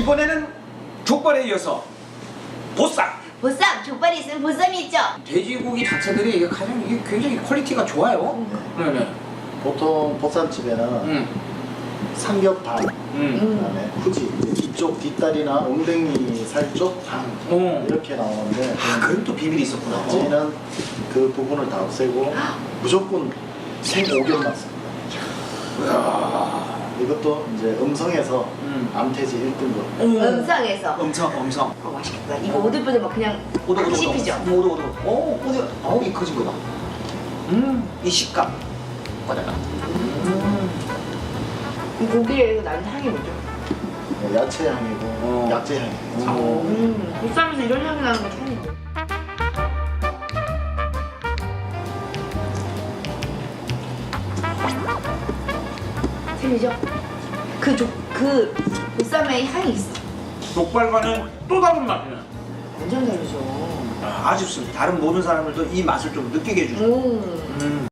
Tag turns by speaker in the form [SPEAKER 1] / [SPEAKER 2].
[SPEAKER 1] 이번에는 족발에 이어서 보쌈.
[SPEAKER 2] 보쌈, 족발이 있으면 보쌈이 있죠.
[SPEAKER 1] 돼지고기 자체들이 이게 가장 이게 굉장히 퀄리티가 좋아요. 네네.
[SPEAKER 3] 보통 보쌈집에는 삼겹 반, 그다음에 후지 이쪽 뒷다리나 엉덩이 살 쪽 반 이렇게 나오는데
[SPEAKER 1] 그럼 또 비밀이 있었구나.
[SPEAKER 3] 저희는 그 부분을 다 없애고 무조건 생오겹만 씁니다. 이것도 이제 음성에서 암태지 1등급.
[SPEAKER 2] 음성에서.
[SPEAKER 1] 엄청.
[SPEAKER 2] 맛있겠다. 이거 오돌뼈도 막 그냥 막 씹히죠?
[SPEAKER 1] 오도. 이 커진 거다. 이 식감. 꺼내라.
[SPEAKER 2] 이 고기에 나는 향이 뭐죠?
[SPEAKER 3] 야채 향이고 약재 향이죠.
[SPEAKER 2] 보쌈에서 이런 향이 나는 거 처음인데. 틀리죠? 그 보쌈의 향이 있어.
[SPEAKER 1] 족발과는 또 다른 맛이네.
[SPEAKER 2] 완전 다르죠.
[SPEAKER 1] 아쉽습니다. 다른 모든 사람들도 이 맛을 좀 느끼게 해주죠.